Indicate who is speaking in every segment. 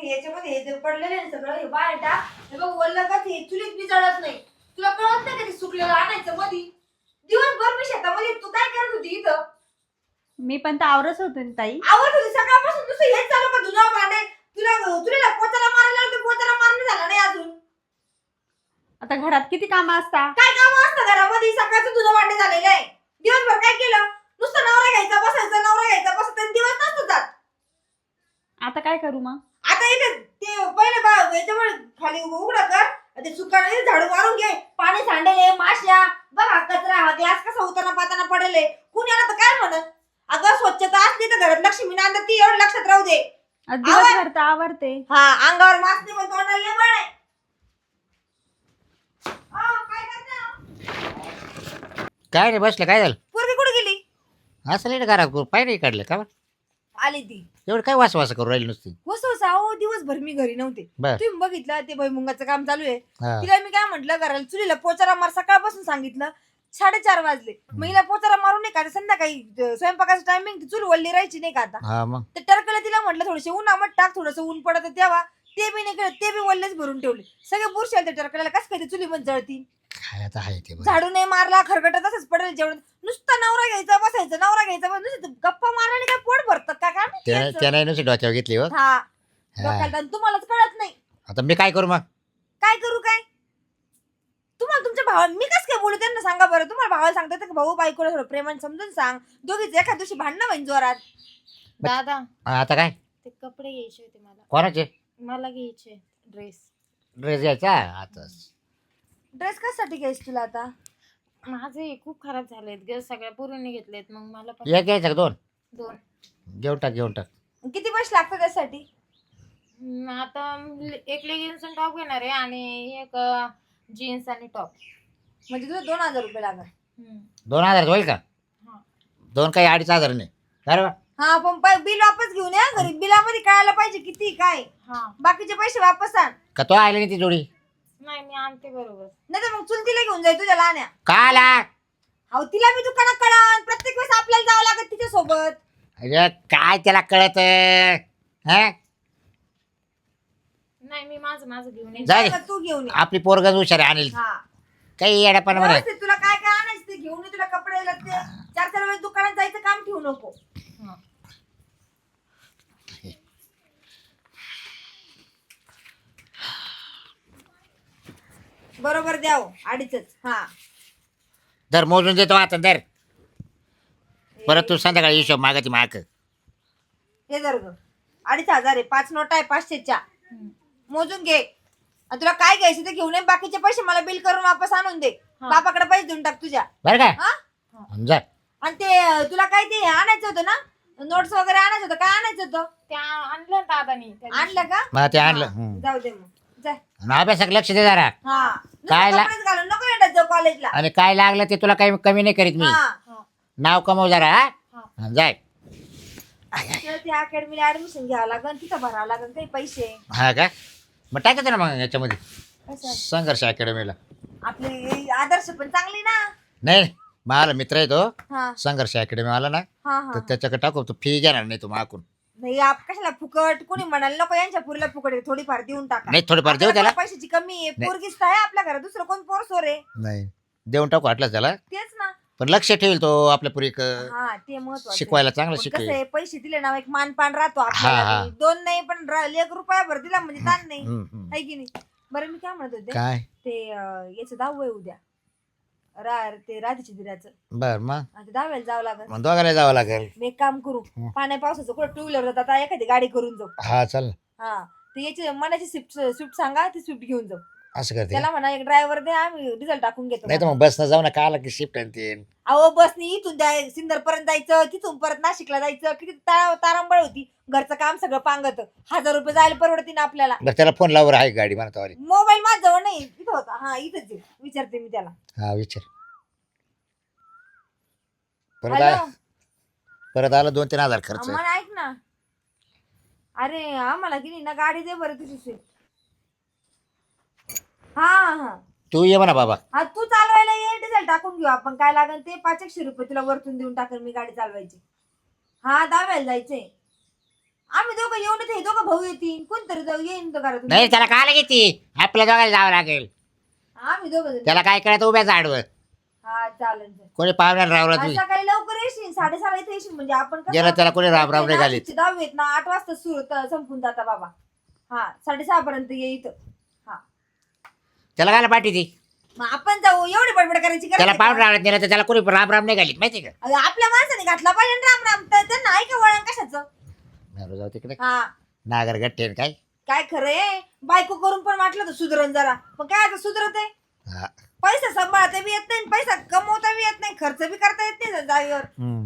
Speaker 1: याच्यामध्ये हे जे पडलेलं आहे सगळं हे बाहेर टाक. हे बघ वल्ल का ते चुलीत बी जळत नाही. तुला कळत नाही का ते सुकलेलं आणायचं मधी? दिवसभर मी शेतामध्ये तू काय करत होती इथं?
Speaker 2: मी पण तर आवरच होते ना ताई.
Speaker 1: आवडत होती सकाळपासून तुझं हेच चालू का धुणं भांडे? तुला पोचाला मारायला लावते, पोचाला मारणं झालं नाही अजून.
Speaker 2: आता घरात किती कामं असतात.
Speaker 1: काय काम असतं घरामध्ये? सकाळचं धुणं भांडे झालेलं आहे. दिवसभर काय केलं? नुसतं नवरा घ्यायचा बसायचं, नवरा घ्यायचा बसायचं आणि दिवस नसतो जात.
Speaker 2: आता काय करू मग?
Speaker 1: आता इथे ते पहिले याच्यामुळे खाली उघडं कर, ते सुकाने झाडू मारून घे. पाणी सांडेले, माश्या बघा, कचरा हा ग्लास कसा उताना पाताना पडेले. कुणी आला तर काय म्हणत? अगं स्वच्छता असली तर घरात लक्ष्मी नांदत, ती एवढं लक्षात राहू दे.
Speaker 2: दिवसभर तर आवरते.
Speaker 1: हा, अंगावर मास्क नाही पण तोंडाला लेबळ आहे. काय करता?
Speaker 3: काय रे बसलं, काय झालं?
Speaker 1: पोरगी कुठे गेली?
Speaker 3: असं नाही घरात पाय नाही काढलं का?
Speaker 1: आली ती.
Speaker 3: एवढं काय वास करू राहिली नुसती?
Speaker 1: वसवसा अहो, दिवसभर मी घरी नव्हते.
Speaker 3: बर.
Speaker 1: तुम्ही बघितलं ते भुईमुगाचं काम चालू आहे.
Speaker 3: हा.
Speaker 1: तिला मी काय म्हंटल घराला चुलीला पोचारा मार. सकाळपासून सांगितलं, 4:30 वाजले. मग हिला पोचारा मारून नाही का संध्याकाळी स्वयंपाकाचं टायमिंग चूल वल्ली राहायची नाही का आता.
Speaker 3: हा मग
Speaker 1: ते टरकलं तिला म्हटलं थोडेसे उन्हामत टाक, थोडंसं ऊन पडत तेव्हा. ते बी नाही केलं, ते बी वल्लेच भरून ठेवले. सगळे बुरशी आले टरकल्याला. कसं काय ते चुलीमध्ये जळतील?
Speaker 3: काय आता आहे ते बरं.
Speaker 1: झाडू नाही मारला, खरगट तसंच पडेल जेवण. नुसतं नवरा घ्यायचा बसायचं, नवरा घ्यायचा नुसतं गप्पा मारल्याने काय पोट भरतं का काय माहिती याचं?
Speaker 3: त्याने नुसती डोक्यावर घेतली हो.
Speaker 1: हा, डोक्याला ताण. तुम्हालाच कळत नाही.
Speaker 3: आता मी काय करू मग?
Speaker 1: काय करू काय? तुम्हाला तुमच्या भावा मी कसं काय बोलू त्यांना सांगा बरं. तुम्हाला भावाला सांगतात की भाऊ बायकोला थोडं प्रेमाने समजून सांग. दोघीच एखाद्या दिवशी भांडणं होईन जोरात.
Speaker 4: दादा
Speaker 3: आता काय
Speaker 4: ते कपडे घ्यायचे होते मला.
Speaker 3: कोणाचे
Speaker 4: मला घ्यायचे ड्रेस.
Speaker 3: ड्रेस घ्यायचा आता?
Speaker 1: ड्रेस कशासाठी घ्यायची तुला आता?
Speaker 4: माझे खूप खराब झालेत ग, सगळ्या पोरींनी घेतलेत. मग मला पण
Speaker 3: एक घ्यायचा का दोन?
Speaker 4: दोन.
Speaker 3: घेऊन टाक.
Speaker 1: किती पैसे लागतात त्यासाठी?
Speaker 4: आता एक लेगिन्स आणि टॉप घेणार आहे आणि एक जीन्स आणि टॉप.
Speaker 1: म्हणजे तुला 2,000 रुपये लागणार.
Speaker 3: 2,000 होईल का?
Speaker 4: हा.
Speaker 3: 2 काही 2,500 नाही बरोबर.
Speaker 1: हा, पण बिल वापस घेऊन या घरी. बिलामध्ये कळायला पाहिजे किती काय.
Speaker 4: हा.
Speaker 1: बाकीचे पैसे वापस आण.
Speaker 3: का तो आले नाही ती जोडी?
Speaker 4: नाही मी आणते बरोबर.
Speaker 1: नाही तर मग चुलतीला घेऊन जाय तुझ्या लहान्या.
Speaker 3: का आला?
Speaker 1: अहो, तिला मी दुकानात कळण. प्रत्येक वेळेस आपल्याला जावं लागत तिच्या सोबत.
Speaker 3: अरे काय त्याला कळत?
Speaker 4: नाही मी माझं घेऊन येईन.
Speaker 3: जाय
Speaker 1: तू घेऊन ये.
Speaker 3: आपली पोरगज हुशार आहे, आणेल
Speaker 1: हा,
Speaker 3: काही येड्यापणा म्हणे.
Speaker 1: व्यवस्थित तुला काय काय आणायचं ते घेऊन ये. तुला कपडे लागते. 4-4 वेळेस दुकानात जायचं काम ठेवू नको.
Speaker 4: हा.
Speaker 1: बरोबर द्याव 2.5. हा,
Speaker 3: दर मोजून देतो आता दर. परत तू संध्याकाळी हिशोब मागायची माग.
Speaker 1: हे जर 2,500 आहे. 5 नोट आहे 500च्या. मोजून घे. आणि तुला काय घ्यायचं ते घेऊन ये. बाकीचे पैसे मला बिल करून वापस आणून दे.
Speaker 4: हा.
Speaker 1: बापाकडे पैसे देऊन टाक तुझ्या.
Speaker 3: बरं का?
Speaker 1: हा,
Speaker 3: जा.
Speaker 1: आणि ते तुला काय ते आणायचं होतं ना, नोट्स वगैरे आणायचं होतं. काय आणायचं होतं?
Speaker 4: ते आणलं दादानी त्या दिवशी.
Speaker 1: आणलं का?
Speaker 3: मग ते आणलं.
Speaker 1: जाऊ दे मग. जाय.
Speaker 3: आणि अभ्यासाक लक्ष दे जरा.
Speaker 1: हा,
Speaker 3: काय
Speaker 1: नुसतं कपडेच घालून नको येणार जाऊ कॉलेजला.
Speaker 3: आणि काय लागलं ते तुला काही कमी नाही करीत मी.
Speaker 1: हा,
Speaker 4: हा.
Speaker 3: नाव कमव जरा.
Speaker 4: हा.
Speaker 3: हा, जाय.
Speaker 1: तर त्या अकॅडमीला ऍडमिशन घ्यावं लागेल. तिथं भरावं लागेल काही पैसे.
Speaker 3: हा का? मग टाकायचं ना मग याच्यामध्ये
Speaker 1: कसं?
Speaker 3: संघर्ष अकॅडमीला.
Speaker 1: आपले आदर्श पण चांगली ना.
Speaker 3: नाही मला मित्र आहे तो
Speaker 1: हा
Speaker 3: संघर्ष अकॅडमी आला ना,
Speaker 1: हा
Speaker 3: तर
Speaker 1: हा.
Speaker 3: त्याच्याकडे टाकू. तो फी घेणार नाही तो माकून.
Speaker 1: नाही कशाला फुकट? कोणी म्हणाल नको यांच्या पुरीला फुकट आहे, थोडीफार देऊन टाका.
Speaker 3: नाही थोडीफार देऊ
Speaker 1: आपल्याला
Speaker 3: त्याला.
Speaker 1: पैशाची कमी आहे.
Speaker 3: नाही.
Speaker 1: पोरगीच तर आहे आपल्या घरात. दुसरं कोण पोर सोर आहे?
Speaker 3: नाही देऊन टाकू वाटलं त्याला.
Speaker 1: तेच ना.
Speaker 3: पण लक्ष ठेवेल तो आपल्या पुरी
Speaker 1: हा, ते महत्वाचं.
Speaker 3: शिकवायला चांगलं
Speaker 1: कसं
Speaker 3: शिकवेल.
Speaker 1: आहे, पैसे दिले ना एक मानपान राहतो
Speaker 3: हा,
Speaker 1: आपल्याला.
Speaker 3: हा.
Speaker 1: बी. 2 नाही पण 1 रुपया भर दिला म्हणजे ताण नाही.
Speaker 3: हम्म.
Speaker 1: आहे की नाही? बरं मी काय म्हणत होते,
Speaker 3: काय
Speaker 1: ते याचं 10वी आहे उद्या. ते राधीच्या दिराचं.
Speaker 3: बर मग
Speaker 1: आता 10वीला जावं लागेल.
Speaker 3: मग दोघाला जावं लागेल.
Speaker 1: मी एक काम करू, पाण्या पावसाचं कुठं 2 व्हीलर जातात, आता एखादी गाडी करून जाऊ.
Speaker 3: हा चल ना.
Speaker 1: हा, ते याची मनाची स्विफ्ट सांगा, ती स्विफ्ट घेऊन जाऊ.
Speaker 3: असं करते.
Speaker 1: त्याला म्हणा एक ड्रायव्हर दे, आम्ही डिझेल टाकून घेतो.
Speaker 3: नाही तर मग बसनं जाऊ ना, का आला की शिफ्ट आणते.
Speaker 1: अहो बसनी इथून सिन्नर पर्यंत जायचं, तिथून परत नाशिकला जायचं. किती तारांबळ होती. घरचं काम सगळं पांगत. 1,000 रुपये जायला परवडती ना आपल्याला.
Speaker 3: बरं त्याला फोन लावर आहे गाडी म्हणा तवारी.
Speaker 1: मोबाईल माझ्याजवळ नाही, इथं होता. हा, इथंच आहे. विचारते मी त्याला.
Speaker 3: हा विचार.
Speaker 1: हॅलो,
Speaker 3: परत आला 2-3 हजार खर्च.
Speaker 1: मला ऐक ना. अरे आम्हाला की नाही ना गाडी दे बरं तुझी स्विफ्ट. हा हा
Speaker 3: तू ये म्हणा बाबा.
Speaker 1: हा, तू चालवायला ये, डिझेल टाकून घेऊ आपण. काय लागेल ते 500 रुपये तुला वरतून देऊन टाकेल मी गाडी चालवायची. हा, 10वीला जायचंय. आम्ही दोघं येऊन येते, दोघं भाऊ येतील, कोणतरी जाऊ येईन तर घरातून.
Speaker 3: नाही त्याला काला घेते, आपल्या दोघांना जावं लागेल.
Speaker 1: आम्ही दोघं जण.
Speaker 3: त्याला काय करायचं उभ्या झाडवर,
Speaker 1: हा चालेल.
Speaker 3: कोणी पाहुण्याला रावला तुम्ही
Speaker 1: सकाळी लवकर येशील, 6:30 इथे येशील म्हणजे आपण कसं-
Speaker 3: गेलं त्याला कोणी राब राब नाही घालीत.
Speaker 1: नाशिकची 10वी आहेत ना, 8 वाजता सुरू संपून जाता बाबा. हा 6:30 पर्यंत ये इथं. हा
Speaker 3: त्याला काय पाठी ती,
Speaker 1: मग आपण जाऊ, एवढी बडबड करायची गरज
Speaker 3: त्याला
Speaker 1: आहे का?
Speaker 3: पाहुणे रावळ्यात नेलं तर त्याला कोणी राब राब नाही घालीत माहिती का.
Speaker 1: अगं, आपल्या माणसाने घातला पाहिजे ना राम राम, तर त्यांना आहे का वळण कशाचं.
Speaker 3: बरं, जाऊ तिकडे
Speaker 1: हा
Speaker 3: नागर गट्टे काय.
Speaker 1: काय खरंय, बायको करून पण वाटलं तर सुधरण जरा, पण काय आता सुधरत आहे.
Speaker 3: हा.
Speaker 1: पैसा सांभाळता बी येत नाही, पैसा कमवता बी येत नाही, खर्च बी करता येत नाही जागेवर.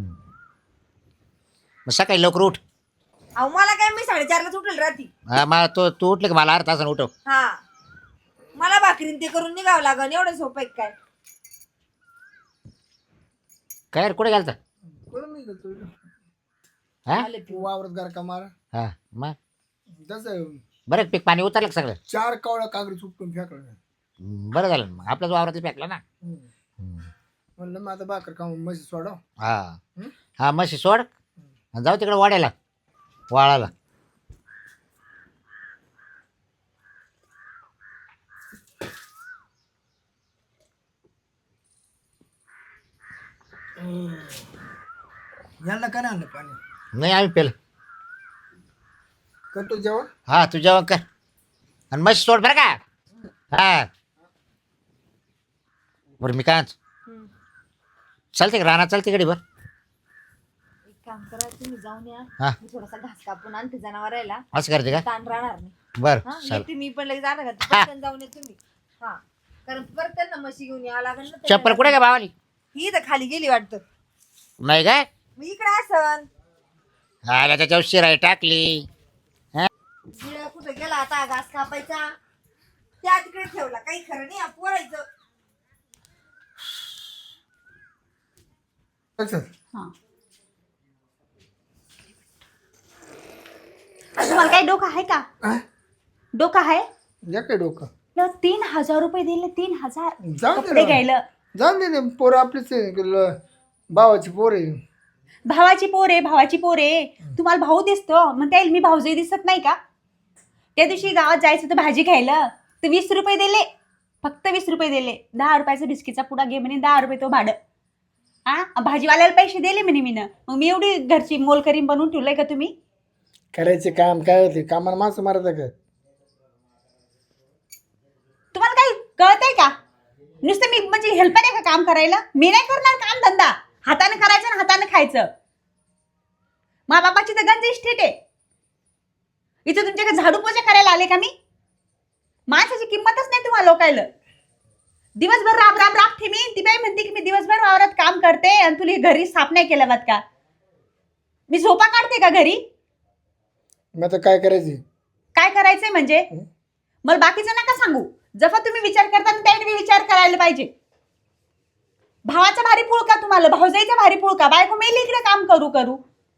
Speaker 3: मग सकाळी लवकर उठ.
Speaker 1: अहो मला काय, मी 4:30 उठेल रात्री.
Speaker 3: हा मग तू उठले का मला अर्धा तासानं उठव.
Speaker 1: हा मला भाकरीन ते करून निघावं लागन, एवढं सोपं आहे काय.
Speaker 3: काय रे, कुठे गेलता.
Speaker 5: कोण नाही गेलतो.
Speaker 3: हा
Speaker 1: आले पिऊ.
Speaker 5: वावरात गार का मारा
Speaker 3: हा मग
Speaker 5: तसं
Speaker 3: बरं पीक पाणी उतरलं का सगळं.
Speaker 5: 4 कावळा कागद सुटून फेकलं.
Speaker 3: बरं झालं ना, मग आपल्याच वावरात फेकला ना.
Speaker 5: म्हणलं मग आता भाकर खाऊन म्हशी सोडव.
Speaker 3: हा हा म्हशी सोड आणि जाऊ तिकडे वाड्याला वाळाला.
Speaker 5: यांना काय नाही आणलं पाणी.
Speaker 3: नाही आम्ही पेलं.
Speaker 5: करतो जेवण.
Speaker 3: हा तू जेवण कर आणि म्हशी सोड बरं का. हा बरं मी काय चालते का रानात, चालते कडे. बरं
Speaker 1: एक काम करा, तुम्ही जाऊन या,
Speaker 3: हा.
Speaker 1: मी थोडासा घास कापून आणते जनावरायला,
Speaker 3: असं करते का.
Speaker 1: ताण राहणार नाही.
Speaker 3: बरं
Speaker 1: हा
Speaker 3: चाल.
Speaker 1: येते मी पण लगेच जाणार का,
Speaker 3: हा.
Speaker 1: पटकन जाऊन या तुम्ही. हा कारण परत त्यांना म्हशी घेऊन यावं लागेल ना.
Speaker 3: चप्पल कुठे का भावाली.
Speaker 1: ही तर खाली गेली वाटतं.
Speaker 3: नाही काय
Speaker 1: मी इकडे असन.
Speaker 3: आला त्याच्यावर शिराई टाकली.
Speaker 1: गिळ कुठं गेला आता घास कापायचा, त्या तिकडे ठेवला. काही खरं नाही पोरायचं.
Speaker 5: अच्छा.
Speaker 2: हा. तुम्हाला काही डोकं आहे का.
Speaker 5: हा?
Speaker 2: डोकं आहे.
Speaker 5: या काय डोकं.
Speaker 2: 3,000 रुपये दिले. 3,000
Speaker 5: जाऊ दे
Speaker 2: कपडे
Speaker 5: ना.
Speaker 2: घ्यायला.
Speaker 5: जाऊन दे ना, पोरं आपलीच आहे. भावाची पोर आहे.
Speaker 2: भावाची पोर आहे, भावाची पोर आहे. तुम्हाला भाऊ दिसतो, मग त्याला मी भाऊजाई दिसत नाही का. त्या दिवशी गावात जायचं होतं भाजी घ्यायला, तर 20 रुपये दिले. फक्त 20 रुपये दिले. 10 रुपयाचा बिस्किटचा पुडा घे म्हणे, 10 रुपये तो भाडं. हा भाजीवाल्याला पैसे दिले म्हणे मी. मग मी एवढी घरची मोलकरीम बनवून ठेवलंय का तुम्ही.
Speaker 5: करायचे काम काय होते, कामाला माणसं मारत का.
Speaker 2: तुम्हाला काही कळतंय का. नुसतं मी म्हणजे हेल्पर आहे का काम करायला. मी नाही करणार काम धंदा. हाताने करायचं आणि हाताने खायचं. मा बापाची तर गंज इस्टेट आहे. इथं तुमच्याकडे झाडू पोछा करायला आले का मी. माणसाची किंमतच नाही तुम्हाला लोकायला. दिवसभर राब राब राबते मी. ती बाई म्हणते की मी दिवसभर वावरात काम करते आणि तुला घरी साफ नाही केलं बात का. मी झोपा काढते का घरी.
Speaker 5: मग आता काय करायचे.
Speaker 2: काय करायचंय म्हणजे मला बाकीचं नका सांगू. जसा तुम्ही विचार करता ना त्याने विचार करायला पाहिजे. भावाचा भारी पुळ का तुम्हाला, भाऊजाईचा भारी पुळ का. बायको मेली इकडे काम करू करू.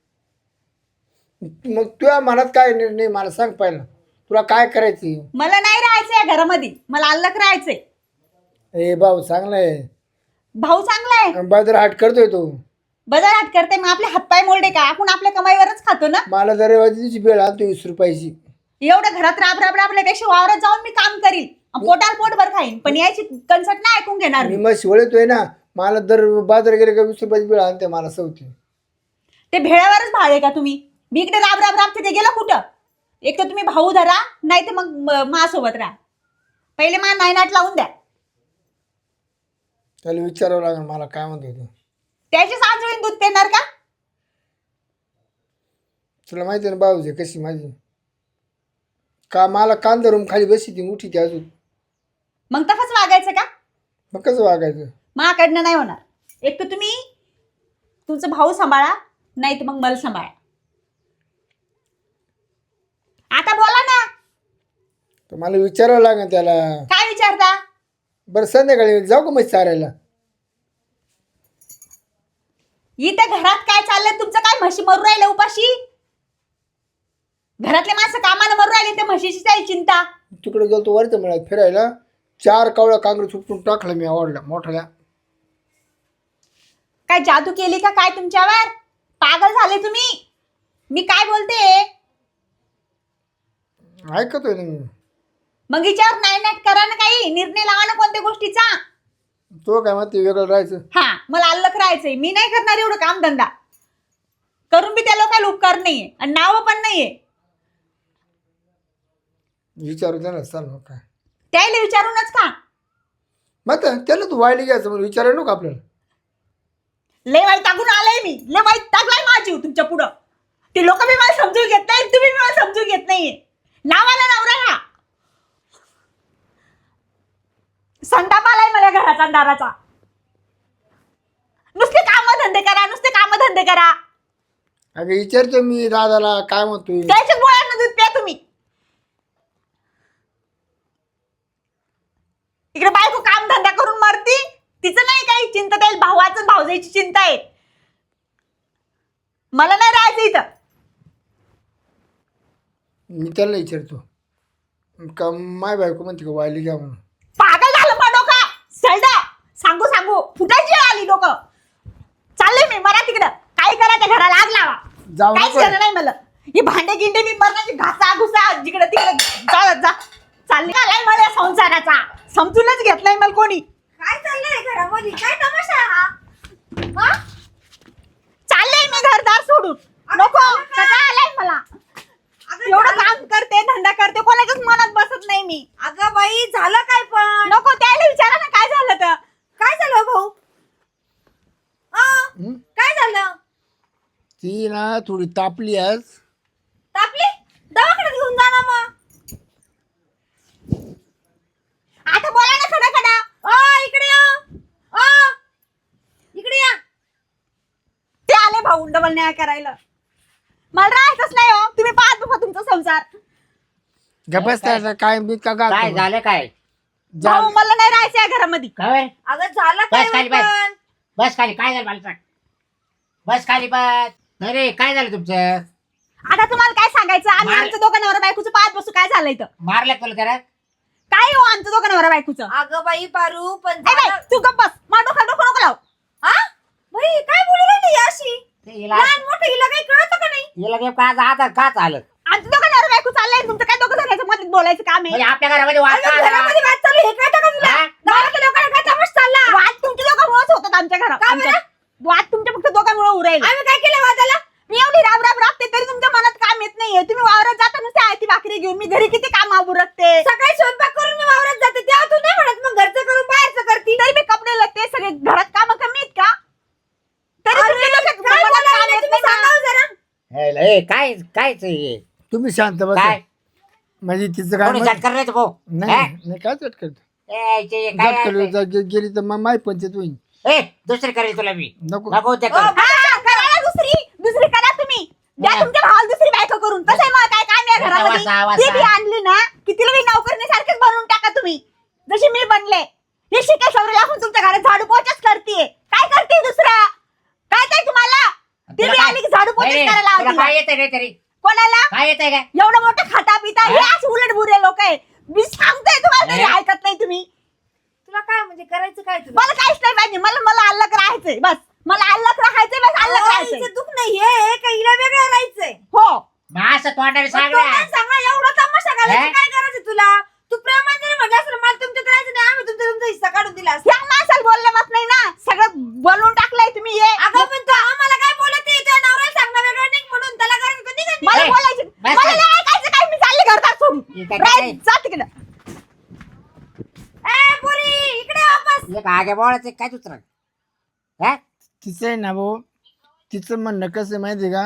Speaker 5: मग तुझ्या मनात काय निर्णय मला सांग पहिला. तुला काय करायची.
Speaker 2: मला नाही राहायचंय या घरामध्ये. मला अल्लग राहायचंय.
Speaker 5: ए भाऊ चांगलाय.
Speaker 2: भाऊ चांगला आहे.
Speaker 5: बाजार हाट करतोय तो.
Speaker 2: बाजार हाट करते मग आपले हातपाय मोडे का. आपण आपल्या कमाईवरच खातो ना.
Speaker 5: मला दरवाजीची वेळ आणतो 20 रुपयाची.
Speaker 2: एवढं घरात राब राब राबल्यापेक्षा वावरात जाऊन मी काम करील. पोटाल पोटभर खाईन. पण याची कन्सर्ट नाही ऐकून घेणार
Speaker 5: मी
Speaker 2: मी.
Speaker 5: मग शिवळतोय ना. मला दर बाजार गेले का 20 रुपयाची वेळ आणते मला सवती.
Speaker 2: ते भेळावरच भाळ आहे का तुम्ही. मी इकडे राब राब राबते ते गेलं कुठं. एक तर तुम्ही भाऊ धरा, नाही तर मग माझ्यासोबत राहा. पहिले मा नायनाट लावून द्या.
Speaker 5: त्याला विचारावं लागेल मला काय म्हणतो तो.
Speaker 2: त्याची सांजोळीन दूध पेणार का.
Speaker 5: तुला माहिती आहे ना भाऊजी कशी माझी. का मला कान धरून खाली बसी ती उठी ती अजून.
Speaker 2: मग तसंच वागायचं का.
Speaker 5: मग कसं वागायचं.
Speaker 2: माझ्याकडनं नाही होणार. एक तर तुम्ही तुमचा भाऊ सांभाळा, नाही तर मग मला सांभाळा. आता बोला ना.
Speaker 5: तर मला विचारावं लागेल त्याला.
Speaker 2: काय विचारता.
Speaker 5: बरं संध्याकाळी जाऊ का मग चारायला.
Speaker 2: इथं घरात काय चाललंय तुमचं. काय म्हशी मरू राहिल्या उपाशी. घरातले माणसं कामाला मरू राहिले, ते म्हशीची काही चिंता.
Speaker 5: तिकडे गेलो वरच्या मिळात फिरायला. 4 कावळा काँग्रेस उपटून टाकलं मी आवडला मोठ्या.
Speaker 2: काय जादू केली का काय तुमच्यावर. पागल झाले तुम्ही. मी काय बोलते
Speaker 5: ऐकतोय ना मी.
Speaker 2: मग हिच्यावर नाही नाही करा ना, काही निर्णय लावा ना कोणत्या गोष्टीचा.
Speaker 5: तो काय म्हणते वेगळं राहायचं.
Speaker 2: हा, मला अल्लख राहायचंय. मी नाही करणार एवढं काम धंदा करून बी त्या लोकांना उपकार नाहीये आणि नाव पण नाहीये.
Speaker 5: विचारू त्याला चाल मग काय.
Speaker 2: त्याला विचारूनच का?
Speaker 5: मग त्याला तू वायली घ्यायचं म्हणून विचारायला नको आपल्याला.
Speaker 2: लय वाईट टाकून आलाय मी, लय वाईट टाकलाय माझी तुमच्या पुढं. ते लोक बी मला समजून घेत नाही, तुम्ही बी मला समजून घेत नाहीये. नावाला नवरा हा संताप आलाय मला घराचा दाराचा. नुसते कामधंदे करा, नुसते कामधंदे करा.
Speaker 5: अगं विचारतो मी दादाला काय म्हणतोय.
Speaker 2: त्याच्या गोळ्यांना दूध प्या तुम्ही. इकडे बायको काम धंदा करून मरती, तिचं नाही काही चिंता. त्याला भावाचं भावजाईची चिंता आहे. मला नाही राहायचं इथं.
Speaker 5: मी त्याला विचारतो का माय बायको म्हणते का वायली घ्या म्हणून.
Speaker 2: पागल झालं मग डोका सैदा. सांगू सांगू फुटायची वेळ आली डोकं. चालले मी मरा तिकडं. काय करा त्या घराला आग लावा.
Speaker 5: जाऊ
Speaker 2: काहीच
Speaker 5: नको.
Speaker 2: करणार नाही मला. हे भांडे गिंडे मी मरणाची घासा घुसा जिकडे तिकडे जा. चालले आलाय मला संसाराचा. समजूनच घेतलाय मला कोणी.
Speaker 1: काय चाललंय घरामध्ये? काय तमाशा आहे हा? हा?
Speaker 2: चालले मी घरदार सोडून. नको सगळं आलाय मला.
Speaker 1: अगं
Speaker 2: एवढं
Speaker 1: झालं-
Speaker 2: काम करते धंदा करते, कोणाच्याच मनात बसत नाही मी.
Speaker 1: अगं बाई झालं काय पण?
Speaker 2: नको त्याला विचारा ना काय झालं तर.
Speaker 1: काय झालं भाऊ? काय झालं?
Speaker 5: ती ना थोडी तापली आज.
Speaker 1: तापली? दवाखान्यात घेऊन जा ना मग.
Speaker 2: आता बोला ना खडा खडा.
Speaker 1: इकडे या. इकडे या.
Speaker 2: ते आले भाऊ डबल न्याय करायला. मला राहायचंच नाही हो. तुम्ही पाहत बघा तुमचा संसार.
Speaker 5: गपस काय मी का
Speaker 3: काय झालं काय?
Speaker 2: भाऊ मला नाही राहायचं या घरामध्ये.
Speaker 3: काय
Speaker 1: अगं झालं काय
Speaker 3: बस खाली
Speaker 1: पण?
Speaker 3: बस. बस खाली. काय झालं मला सांग. बस खाली बस. नाही रे काय झालं तुमचं?
Speaker 2: आता तुम्हाला काय सांगायचं? आम्ही
Speaker 3: मार-
Speaker 2: आमच्या दोघांवर बायकोचं पाहत बसू. काय झालंय तर
Speaker 3: मारलं तुला त्याला?
Speaker 2: काय हो आमच्या दोघांवर बायकोचं?
Speaker 1: अगं बाई पारू पण
Speaker 2: ए बाई,
Speaker 1: झालं-
Speaker 2: तू गप्प बस. माझं डोकं नको लाव.
Speaker 1: हा? बाई काय बोलू राहिली ही अशी?
Speaker 3: ते हिला
Speaker 1: लहान मोठं हिला काही कळतं का नाही?
Speaker 3: हिला गेम का आता का चालत?
Speaker 2: आमच्या दोघांवर बायको चाललंय. तुमचं काय दोघं जणांच्या मध्ये बोलायचं काम आहे?
Speaker 3: म्हणजे आपल्या घरामध्ये वाद का
Speaker 1: अगं
Speaker 3: आला?
Speaker 1: घरामध्ये वाद चालू आहे, हे कळतं का तुला?
Speaker 3: हा?
Speaker 1: गावातल्या लोकांना काय तमाशा चालला?
Speaker 2: वाद तुमच्या दोघांमुळेच होतात आमच्या घरात.
Speaker 1: का
Speaker 2: आमच्या-
Speaker 1: बरं?
Speaker 2: वाद तुमच्या फक्त दोघांमुळे उरायला.
Speaker 1: आम्ही काय केलं वादाला?
Speaker 2: मी एवढी राब राब राबते तरी तुमच्या मनात काम येत नाहीये. तुम्ही वावरात जाता नुसते आयती भाकरी घेऊन. मी घरी किती काम आवरते.
Speaker 1: सकाळी स्वयंपाक करून मी वावरात जाते तेव्हा तू नाही म्हणत मग घरचं करून बाहेरचं करती.
Speaker 2: तरी मी कपडे लत्ते सगळे घरात काम कमी आहेत का? तरी
Speaker 1: अरे,
Speaker 2: तुमच्या डोक्यात
Speaker 1: काय
Speaker 2: मनात काम
Speaker 1: बोलायला
Speaker 2: येत
Speaker 1: तुम्ही
Speaker 2: नाही ना.
Speaker 1: सांगावं जरा.
Speaker 3: हे, काय कायच हे?
Speaker 5: तुम्ही शांत बस.
Speaker 3: काय
Speaker 5: म्हणजे तिचं काय
Speaker 3: कोणी
Speaker 5: म्हणत-
Speaker 3: झटकर नाही तो भाऊ.
Speaker 5: नाही
Speaker 3: हा?
Speaker 5: नाही काय चटकत
Speaker 3: ए, ते काय
Speaker 5: गेली तर मग माय पंचायत होईल.
Speaker 3: ए, दुसरी करेल तुला मी.
Speaker 5: नको
Speaker 3: नको ते कर.
Speaker 2: हा, करा ना दुसरी करा तुम्ही. द्या
Speaker 3: हा.
Speaker 2: तुमच्या भावाला दुसरी बायको करून. तसंही मला काय काम आहे घरामध्ये.
Speaker 3: वासा, वासा.
Speaker 2: ती बी आणली ना की तिला बी नोकरीसारखीच बनवून टाका तुम्ही. जशी मी बनले. हे शिके सवरे लागून तुमच्या घरात झाडू पोछाच करते. काय करते दुसरं? काय काय तुम्हाला? ती
Speaker 3: तुला
Speaker 2: बी
Speaker 3: काय-
Speaker 2: आली की झाडू पोछाच
Speaker 3: नाही,
Speaker 2: करायला
Speaker 3: तुला
Speaker 2: लावते.
Speaker 3: काय येतंय रे तरी?
Speaker 2: कोणाला?
Speaker 3: काय येतंय काय?
Speaker 2: एवढं मोठं खाता पिता हे
Speaker 3: हा?
Speaker 2: असे उलट बुरे लोक आहे. मी सांगते तुम्हाला तरी
Speaker 3: हा?
Speaker 2: ऐकत नाही तुम्ही.
Speaker 1: तुला काय म्हणजे करायचं काय तुला?
Speaker 2: मला काहीच नाही पाहिजे. मला अल्लग राहायचंय बस. मला अल्लग राहायचंय बस. अल्लग
Speaker 1: अहो,
Speaker 2: राहायचंय.
Speaker 1: हिचं दुःख नाही हे का हिला वेगळं राहायचंय?
Speaker 2: हो.
Speaker 3: मग असं तोंडाने
Speaker 1: मग
Speaker 3: सांग
Speaker 1: तो
Speaker 3: ना.
Speaker 1: काय सांगा एवढा तमाशा घालायची
Speaker 3: हा?
Speaker 1: काय गरज तुला? तू प्रेमाने जरी म्हटलं असलं मला तुमच्यात राहायचं नाही आम्ही तुमचा हिस्सा काढून दिला असता.
Speaker 2: या माणसाला बोलले मत नाही ना. सगळं बोलून टाकलंय तुम्ही. हे
Speaker 1: अगं पण तू आम्हाला काय बोलत नाही तुझ्या नवऱ्याला सांगणं वेगळं नाही म्हणून त्याला गरज कधी नाही.
Speaker 2: मला
Speaker 3: ए,
Speaker 2: बोलायचं
Speaker 3: बस
Speaker 2: मला
Speaker 3: कर.
Speaker 2: नाही ऐकायचं काय. मी चालले घरदार सोडून.
Speaker 3: हे काय
Speaker 2: राय,
Speaker 3: काय?
Speaker 2: जा तिकडं.
Speaker 1: ए पोरी इकडे वापस.
Speaker 3: एक आगे बोळाचं काय दुसरं? हा?
Speaker 5: तिचं आहे ना भाऊ, तिचं म्हणणं कसं आहे माहिती आहे का?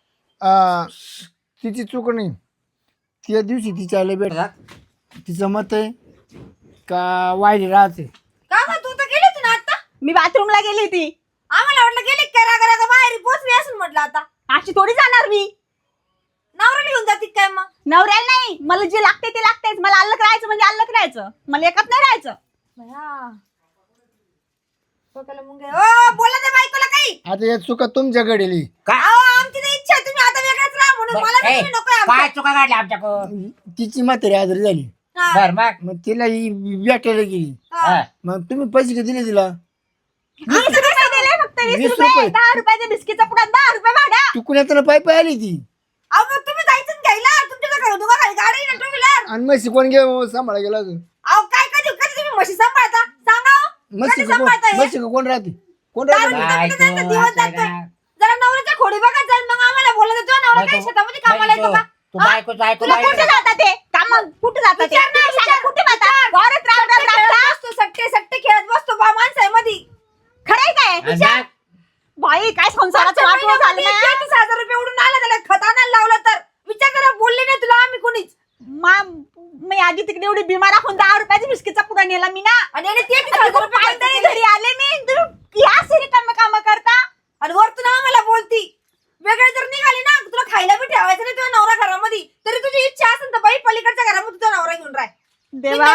Speaker 5: तिची चूक नाही. त्या दिवशी तिच्या आले भेट तिचं मत आहे का वायली राहते.
Speaker 1: का गं तू तर गेली होती ना आता?
Speaker 2: मी बाथरूमला गेली होती.
Speaker 1: आम्हाला वाटलं गेली करा करा का बाहेर पोचली असून म्हटलं आता
Speaker 2: अशी थोडी जाणार मी.
Speaker 1: नवऱ्याला घेऊन जाती काय मग?
Speaker 2: नवऱ्याला नाही. मला जे लागते ते लागतेच. मला अल्लग राहायचं म्हणजे अल्लग राहायचं. मला एकच नाही राहायचं.
Speaker 1: भया डोक्याला मुंग्या. ओ बोला त्या बायकोला काही.
Speaker 5: आता या चुका तुमच्याकडे आली.
Speaker 3: काय?
Speaker 1: अहो आमची तर इच्छा आहे तुम्ही आता वेगळंच राहा म्हणून मला
Speaker 3: ए,
Speaker 1: तुम्ही नकोय
Speaker 3: काय
Speaker 1: आमच्या.
Speaker 3: चुका काढल्या आमच्याकडून?
Speaker 5: तिची म्हातारी आजारी झाली.
Speaker 1: हा,
Speaker 3: बर मग.
Speaker 5: मग तिला ही भेटायला गेली.
Speaker 1: हा.
Speaker 3: हा.
Speaker 5: मग तुम्ही पैसे किती दिले तिला?
Speaker 2: 20 रुपये दिले फक्त. 20
Speaker 5: 20
Speaker 2: रुपये.
Speaker 5: रुपये.
Speaker 2: 10 रुपयाच्या बिस्किटचा पुढा 10 रुपये भाडा.
Speaker 5: चुकून येताना पाय पाय आली ती.
Speaker 1: अहो मग तुम्ही जायचं ना घ्यायला तुमच्या घरात खाली गाडी ना
Speaker 5: आणि म्हशी कोण घे सांभाळा गेला अजून
Speaker 1: अहो काय कधी कधी तुम्ही म्हशी सांभाळता सांगा हो.
Speaker 5: म्हशी
Speaker 1: कधी सांभाळता हे?
Speaker 5: म्हशी कोण राहते कोण राहते
Speaker 1: दारू
Speaker 5: म्हशी?
Speaker 1: पितात पितात दिवस जातोय. जरा नवऱ्याच्या खोडी बघत जाईल मग आम्हाला बोलत होतो नवरा काय शेतामध्ये कामाला येतो का
Speaker 3: तू
Speaker 1: हा?
Speaker 3: बायकोच ऐकू
Speaker 2: तुला कुठे जातात ते काम कुठे जातात ते
Speaker 1: विचार ना,
Speaker 2: तुम्ही सांगा,
Speaker 1: विचार.
Speaker 2: कुठे जातात वावरात राब राब
Speaker 1: खेळत
Speaker 2: राबता?
Speaker 1: बसतो, सट्टे सट्टे खेळत बसतो बा माणसामध्ये
Speaker 2: खरंय काय बाई काय संसाराचं वाटवं झालं ना
Speaker 1: 30,000 रुपये उडून आला त्याला खताना लावलं तर विचार करा बोलले नाही तुला आम्ही कोणीच
Speaker 2: मी आधी तिकडे एवढी बिमार आखून 10 रुपयाचा बिस्किटचा पुडा नेला मी ना
Speaker 1: आणि याने 30,000 रुपये खर्च
Speaker 2: पायदळी
Speaker 1: केले.
Speaker 2: घरी आले मी तुम्ही या सिरी काम करता
Speaker 1: आणि वरतून आम्हाला बोलती वेगळे जर निघाली ना तुला खायला बी ठेवायचं नाही तुझ्या नवरा घरामध्ये तरी तुझी इच्छा असेल तर बाई पलीकडच्या घरामध्ये तुझा नवरा घेऊन राह
Speaker 2: देवा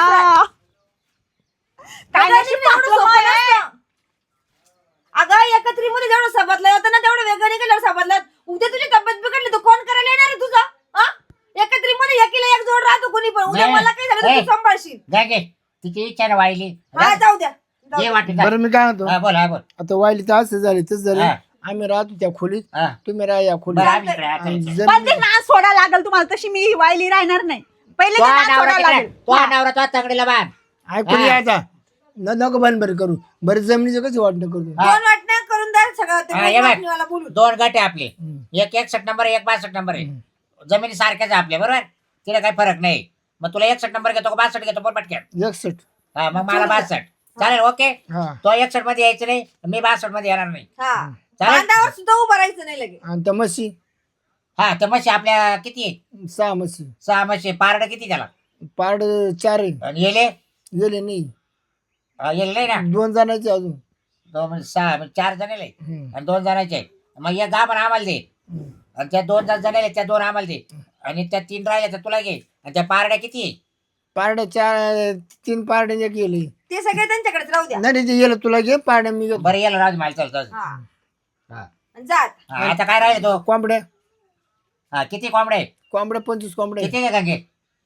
Speaker 2: काय नशीब टाकलं मला.
Speaker 1: अगं एकत्रीमध्ये जेवढं सबदलं होतं ना तेवढं वेगळं निघालं सबदलं उद्या तुझी तब्येत बिघडली तर कोण करायला येणार आहे तुझं हा? एकत्रीमध्ये एकीला एक जोड राहतो कोणी पण उद्या
Speaker 3: नाही.
Speaker 1: मला काही झालं तर
Speaker 3: ए.
Speaker 1: तू सांभाळशील
Speaker 3: जा घे तिची इच्छा ना वाहिली
Speaker 1: हा जाऊ द्या जाऊ
Speaker 3: ये
Speaker 1: द्या.
Speaker 3: वाटत
Speaker 5: बरं मी काय म्हणतो
Speaker 3: बोल हा बोल
Speaker 5: आता वाईली तर असं झाले तसं झाले
Speaker 3: हा.
Speaker 5: आम्ही राहतो त्या खोलीत
Speaker 3: हा.
Speaker 5: तुम्ही राहा या खोलीत
Speaker 3: बरं आम्ही इकडे आता
Speaker 5: आणि
Speaker 3: इकडे.
Speaker 2: पण ते
Speaker 5: जमीन-
Speaker 2: नाच सोडा लागल तुम्हाला तशी मी वायली राहणार नाही पहिले
Speaker 3: तो
Speaker 2: ते नाच
Speaker 3: नवरा
Speaker 2: सोडा
Speaker 3: तिकडे,
Speaker 2: लागेल
Speaker 3: तो
Speaker 2: हा.
Speaker 3: नवरा तो तंगडीला बांध
Speaker 5: ऐकून
Speaker 3: हा.
Speaker 5: यायचा नको बंद बरं करू बरं जमिनीचं कसं वाटणं करू
Speaker 3: हा.
Speaker 1: दोन वाटण्या करून द्या सगळं ते
Speaker 3: हा, ये बघ.
Speaker 1: वाटणीवाला बोलून
Speaker 3: 2 गट आहे आपले
Speaker 5: हम्म.
Speaker 3: एक 61 नंबर एक 62 नंबर आहे जमिनी सारख्याच आहे आपल्या बरोबर तिला काही फरक नाही मग तुला 61 नंबर घेतो का 62 घेतो पण पटक्यात
Speaker 5: 61
Speaker 3: हा मग मला 62 चालेल ओके
Speaker 5: हा
Speaker 3: तो 61 मध्ये यायचं नाही मी 62 मध्ये येणार नाही
Speaker 1: हा
Speaker 3: चालेल
Speaker 1: बांधावर सुद्धा उभं राहायचं नाही लगे
Speaker 5: आणि त्या म्हशी
Speaker 3: हा तर म्हशी आपल्या किती आहे?
Speaker 5: 6 म्हशी
Speaker 3: 6 म्हशी पारड किती त्याला
Speaker 5: पाड 4 आहे
Speaker 3: आणि येले
Speaker 5: गेले नाही
Speaker 3: येले नाही ना
Speaker 5: 2 जणांचे अजून
Speaker 3: 2 म्हणजे 6 म्हणजे 4 जणाले
Speaker 5: हम्म.
Speaker 3: आणि 2 जणांचे आहे. मग एक 10 पण आम्हाला दे
Speaker 5: हम्म.
Speaker 3: आणि त्या 2 जणाले त्या 2 आम्हाला दे आणि त्या 3 राहिल्या तर तुला घे आणि त्या पारड्या किती आहे?
Speaker 5: पारड्या 4 3 पारड्या गेले
Speaker 1: ते सगळे त्यांच्याकडेच राहू द्या
Speaker 5: नाही ते गेलं तुला घे पारड्या मी घेतो
Speaker 3: बरं येलं राजू मला चालतं
Speaker 1: हा
Speaker 3: हा.
Speaker 1: जात
Speaker 3: हा, आता काय राहिलं तो
Speaker 5: कोंबड्या
Speaker 3: हा किती कोंबडे
Speaker 5: कोंबड्या 25 कोंबड्या
Speaker 3: किती आहे गंगे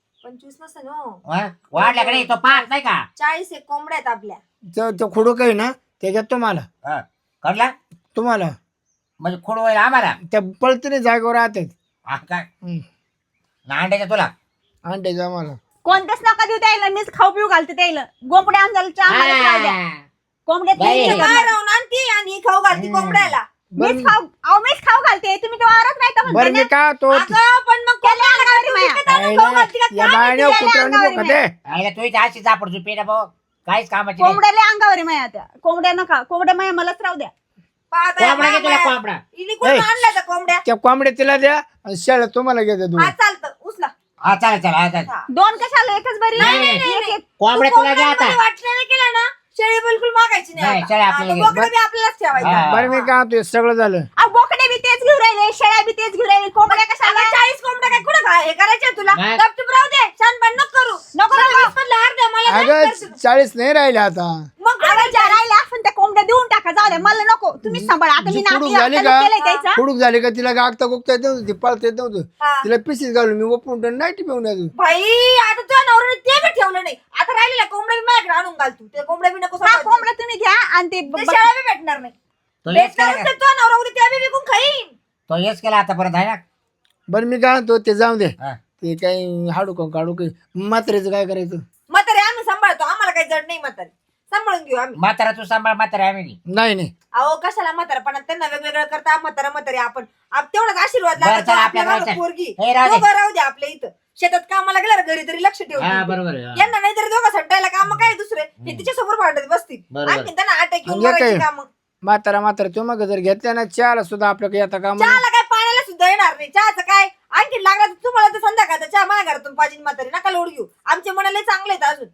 Speaker 1: 25 नसेल हो
Speaker 3: वाढल्याकडे तो 5 नाही का
Speaker 1: 40 एक कोंबड्या आहेत आपल्या
Speaker 5: तो खोडू काही ना त्याच्यात तुम्हाला
Speaker 3: हा कळला
Speaker 5: तुम्हाला
Speaker 3: म्हणजे खोड होईल आम्हाला
Speaker 5: त्या पळतीने जागेवर राहतात
Speaker 3: हा काय अंड्याच्या तुला
Speaker 5: अंड्याच्या आम्हाला
Speaker 2: कोणत्याच नका देऊ द्यायला मीच खाऊ पिऊ घालते द्यायला गोंपड्या आमच्या आम्हालाच राहू द्या
Speaker 3: हा.
Speaker 2: कोंबड्यात
Speaker 3: बाई.
Speaker 2: नाही
Speaker 1: काय
Speaker 2: करणार.
Speaker 1: राहून आणती आणि ही खाऊ घालती कोंबड्याला
Speaker 5: बरं
Speaker 2: मीच खाऊ अहो मीच खाऊ घालते तुम्ही तो वावरात नाही तर
Speaker 5: बरं
Speaker 2: म्हणता
Speaker 5: मी
Speaker 2: ना.
Speaker 5: का तो
Speaker 1: अगं पण मग कोंबड्याला
Speaker 2: अंगावरी
Speaker 1: तू
Speaker 2: माया.
Speaker 1: विकत आणून खाऊ घालती का
Speaker 5: या
Speaker 1: काय?
Speaker 5: बायने
Speaker 2: माहिती
Speaker 5: कुत्र्याने
Speaker 2: अंगावर
Speaker 5: बघते
Speaker 3: आईला तू इथे अशी झापड झुपी ना भाऊ काहीच कामाची नाही.
Speaker 2: कोंबड्याला अंगावर माया त्या कोंबड्या नका कोंबड्या माया मलाच राहू द्या
Speaker 1: पाहता
Speaker 3: कोंबडा घे तुला
Speaker 1: बाया.
Speaker 3: कोंबडा
Speaker 1: हिने कुठून
Speaker 5: ए.
Speaker 1: आणल्या त्या कोंबड्या
Speaker 5: त्या कोंबड्या तिला द्या आणि शेळ्या तुम्हाला घेते तू
Speaker 1: हा चालतं उचला
Speaker 3: हा चालेल चालेल हा चालेल
Speaker 1: हा.
Speaker 2: दोन कशाला एकच बरी
Speaker 3: नाही,
Speaker 2: एक-
Speaker 3: नाही,
Speaker 2: एक- एक.
Speaker 3: कोंबड्या
Speaker 1: तू
Speaker 3: तुला घ्या आता
Speaker 1: कोंबड्यांमध्ये वाटलं नाही केलं ना शेळी बिलकुल मागायची
Speaker 3: नाही,
Speaker 1: नाही
Speaker 3: शेळी
Speaker 1: आता.
Speaker 3: आपल्याला
Speaker 1: हा,
Speaker 3: घे.
Speaker 1: बोकडं बी आपल्यालाच ठेवायचं
Speaker 3: हा.
Speaker 5: बरं मी काय म्हणतोय सगळं झालं
Speaker 2: अहो, बोकडे बी तेच घेऊन राहिले शेळ्या बी तेच घेऊन राहिले कोंबड्या कशाला
Speaker 1: 40 कोंबड्या काय कुठं काय हे करायचे तुला
Speaker 3: नाही.
Speaker 1: गपचूप राहू दे छानपण नको करू
Speaker 2: नको, नको.
Speaker 1: 20 मधलं हार द्या मला नाही
Speaker 5: अगं
Speaker 1: करशील.
Speaker 5: 40 नाही राहिले आता
Speaker 1: मग काय
Speaker 2: अरे ज्या राहिल्या आपण त्या कोंबड्या देऊन टाका जाऊ द्या मला नको तुम्ही सांभाळा आता मी
Speaker 5: जी
Speaker 2: नाती
Speaker 5: कुडूक झाली
Speaker 2: हाताने
Speaker 5: का?
Speaker 2: केलंय त्याचा
Speaker 5: खुडूक झाली का तिला गागता गुगता येत नव्हतं ती पळता येत नव्हतं
Speaker 1: हा.
Speaker 5: तिला पिशीच घालून मी ओपून नाही टिपवून अजून
Speaker 1: भाई आता तुझ्या नवऱ्याने ते बी ठेवलं नाही आता राहिलेल्या कोंबड्या बी माझ्याकडे आणून घाल तू ते कोंबड्या बी नको
Speaker 2: हा
Speaker 1: सांभाळू.
Speaker 2: कोंबड्या तुम्ही घ्या आणि ते
Speaker 1: ते शेळ्या बी भेटणार नाही
Speaker 3: तो हेच
Speaker 1: भेटणार
Speaker 3: केला
Speaker 1: असेल तुझा नवरा उद्या त्या बी विकून खाईन
Speaker 3: तो हेच केला आतापर्यंत आहे ना
Speaker 5: बरं मी काय म्हणतो ते जाऊ दे
Speaker 3: हा.
Speaker 5: ते काही हाडू का काढू काही म्हाताऱ्याचं काय करायचं
Speaker 1: म्हातारे आम्ही सांभाळतो आम्हाला काही जड नाही म्हातारे सांभाळून घेऊ आम्ही
Speaker 3: म्हातारा तू सांभाळ म्हातारा आम्ही नाही.
Speaker 5: नाही नाही
Speaker 1: अहो कशाला म्हातारपणात त्यांना वेगवेगळं करता म्हातारे आम्ही तेवढाच आशीर्वाद
Speaker 3: बरं,
Speaker 1: लागतो
Speaker 3: चला,
Speaker 1: आपल्या
Speaker 3: आपल्या
Speaker 1: मागं
Speaker 3: गावचं.
Speaker 1: पोरगी
Speaker 3: हे राहू दे.
Speaker 1: दोघं राहू द्या आपल्या इथं शेतात कामाला गेल्यावर घरी तरी लक्ष
Speaker 3: हा
Speaker 1: ठेवू
Speaker 3: बरोबर आहे, हा.
Speaker 1: यांना नाही तरी दोघं सट्टायला काम काय दुसरे हे तिच्या समोर भांडत बसतील
Speaker 3: बरोबर.
Speaker 1: आणखी त्यांना अटॅक येऊन
Speaker 5: आणि हे
Speaker 1: मरायची
Speaker 5: काय?
Speaker 1: काम
Speaker 5: म्हातारा तू मग जर घेतल्या ना चहाला सुद्धा आपल्याकडे येता का
Speaker 1: चहाला काय पाण्याला सुद्धा येणार नाही चहाचं काय आणखी लागला तर तुम्हाला तर संध्याकाळचा चहा माझ्या घरातून पाहिजे म्हातारी नका लोड घेऊ आमचे मनाले चांगले आहेत अजून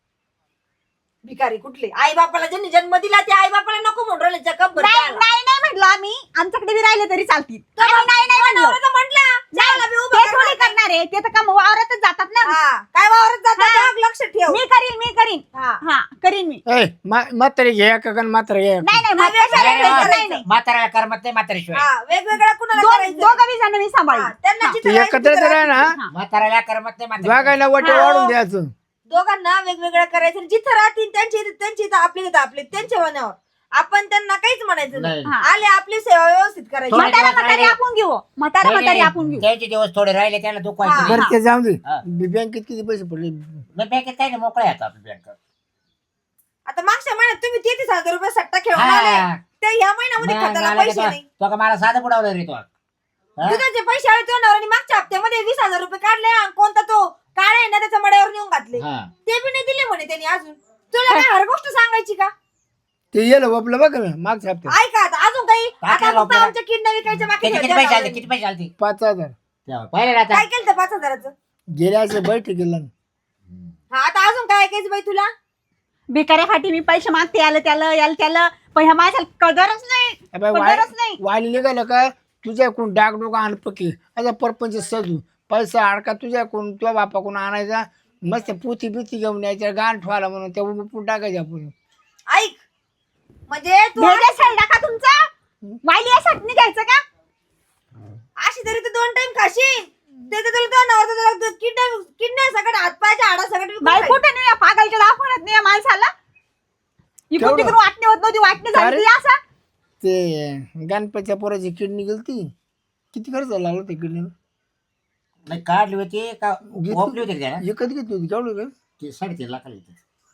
Speaker 1: भिकारी कुठले आई बापाला ज्यांनी जन्म दिला ते आई बापाला नको म्हणून राहिले जगभर
Speaker 2: नाही
Speaker 1: चहाला.
Speaker 2: नाही नाही म्हटलं आम्ही आमच्याकडे बी राहिले तरी चालतील
Speaker 1: तर
Speaker 2: आम्ही
Speaker 1: मग
Speaker 2: नाही नाही
Speaker 1: तुझा
Speaker 2: म्हणलो
Speaker 1: नवरा तर म्हटला चहाला बी उभं
Speaker 2: ते
Speaker 1: करणार
Speaker 2: थोडी
Speaker 1: नाही.
Speaker 2: करणार आहे ते तर काम वावरातच जातात ना
Speaker 1: हा काय वावरत जाता
Speaker 2: हा.
Speaker 1: बघ, लक्ष ठेव
Speaker 2: मी करीन
Speaker 1: हा.
Speaker 2: हा करीन मी
Speaker 5: ए म्हातारी घे का म्हातारा घे
Speaker 2: नाही नाही मग
Speaker 1: नाही,
Speaker 2: कशाला
Speaker 1: नाही,
Speaker 2: करायचं?
Speaker 1: नाही,
Speaker 2: नाही नाही
Speaker 3: म्हाताऱ्याला करमत नाही म्हाताऱ्याशिवाय
Speaker 1: हा वेगवेगळ्या कुणाला
Speaker 2: दोन
Speaker 1: करायचं
Speaker 2: दोघं बी जण मी
Speaker 1: हा,
Speaker 2: सांभाळीन
Speaker 1: त्यांना
Speaker 2: हा.
Speaker 1: जिथं
Speaker 5: तू
Speaker 1: राहायचं
Speaker 5: एकत्र
Speaker 1: तिथं
Speaker 5: राह ना
Speaker 1: राहायचं.
Speaker 3: म्हाताऱ्याला करमत नाही म्हाताऱ्याशिवाय.
Speaker 5: वागायला वाटे
Speaker 1: हा.
Speaker 5: वाढून द्यायचं
Speaker 1: दोघांना वेगवेगळं करायचं आणि जिथं राहतील त्यांची इथं आपले त्यांच्या मनावर आपण त्यांना काहीच म्हणायचं नाही.
Speaker 3: नाही.
Speaker 1: आले आपली सेवा व्यवस्थित करायची.
Speaker 3: थोडे
Speaker 2: म्हातारा
Speaker 3: दिवस
Speaker 2: म्हातारी
Speaker 3: राहिले.
Speaker 2: आपण घेऊ म्हातारा म्हातारी आपण घेऊ.
Speaker 3: त्याचे दिवस थोडे राहिले त्याला दुःख व्हायचं
Speaker 1: हा.
Speaker 3: नाही.
Speaker 5: बरं ते जाऊ दे
Speaker 3: हा.
Speaker 5: बँकेत किती पैसे पडले
Speaker 3: मग बँकेत काय नाही मोकळा येतो आपली बँक
Speaker 1: आता मागच्या महिन्यात तुम्ही 33,000 रुपये सट्टा खेळून आले ते ह्या महिन्यामध्ये खर्चाला पैसे नाही.
Speaker 3: तो का मला साधं बुडावलं रे तो हा?
Speaker 1: दुधाचे पैसे आले तो नवऱ्याने मागच्या हप्त्यामध्ये 20,000 रुपये काढले आणि कोणता तो काळे आहे ना त्याच्या मड्यावर नेऊन घातले
Speaker 3: हा.
Speaker 1: ते बी नाही दिले म्हणे त्यांनी अजून. तुला काय हर गोष्ट सांगायची का?
Speaker 5: ते येलं वापलं बघा ना मागच्या हप्त्यात
Speaker 1: ऐका आता अजून काही
Speaker 3: काय
Speaker 1: आता फक्त
Speaker 3: आपल्याला?
Speaker 1: आमच्या किडनी विकायच्या बाकी
Speaker 3: किती किती
Speaker 1: ठेवल्या
Speaker 3: पैसे आलते
Speaker 1: नवऱ्याने.
Speaker 3: किती पैसे आलते
Speaker 5: 5,000
Speaker 3: तेव्हा पाहिलं ना आता
Speaker 1: काय केलं 5,000चं?
Speaker 5: गेल्या असे बैठक गेला
Speaker 1: हा आता अजून काय ऐकायचं बाई तुला?
Speaker 2: भिकाऱ्यासाठी मी पैसे मागते याला त्याला पण ह्या माझ्या कदरच नाही कदरच नाही.
Speaker 5: वाली निघालं का तुझ्याकडून डागडोग आण पकी आता परपंच सजू पैसा अडका तुझ्याकडून तुझ्या बापाकडून आणायचा मस्त पुती बिती घेऊन यायच्या गाण ठेवायला म्हणून त्या उपटून टाकायच्या आपण
Speaker 1: ऐक म्हणजे तू
Speaker 2: भेजा शेल्डा का तुमचा वाईली यासाठी निघायचं का?
Speaker 1: अशी तरी तू 2 टाइम खाशील ते तर तुला नवरा किडनी सगळं हातपायच्या हाडा
Speaker 2: बाई
Speaker 1: सगळं
Speaker 2: कुठे नाही या पागलच्या दाखवण्यात नाही या माणसाला इकडून
Speaker 5: केवढं?
Speaker 2: तिकडून वाटणी होत नव्हती वाटणी झाली
Speaker 5: अरे.
Speaker 2: ती असं
Speaker 5: ते गणपतीच्या पोराची किडनी गेलती किती खर्च लागला त्या किडनीला
Speaker 3: नाही काढली होती का ओपली होती का त्याला?
Speaker 5: एकच घेतली होती केवढं का
Speaker 3: ती 3.5 लाखाला येते